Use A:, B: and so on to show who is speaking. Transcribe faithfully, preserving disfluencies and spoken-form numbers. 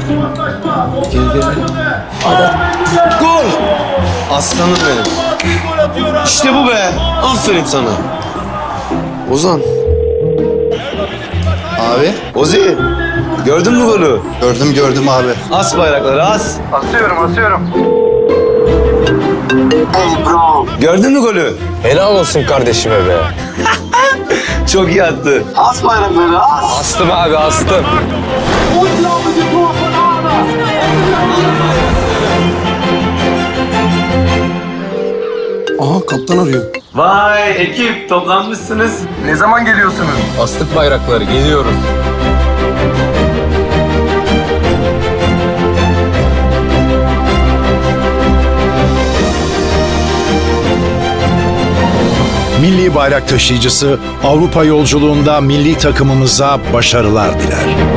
A: Gol! Aslanım benim. İşte bu be. Aferin sana. Ozan.
B: Abi
A: Ozi. Gördün mü golü?
B: gördüm gördüm abi.
A: As bayrakları as.
C: Asıyorum, asıyorum.
A: Gördün mü golü?
D: Helal olsun kardeşime be.
A: Çok iyi attı. As bayrakları as.
D: Astım abi astım.
B: Aha kaptan arıyor.
A: Vay ekip toplanmışsınız.
C: Ne zaman geliyorsunuz?
D: Astık bayrakları geliyoruz.
E: Milli bayrak taşıyıcısı Avrupa yolculuğunda milli takımımıza başarılar diler.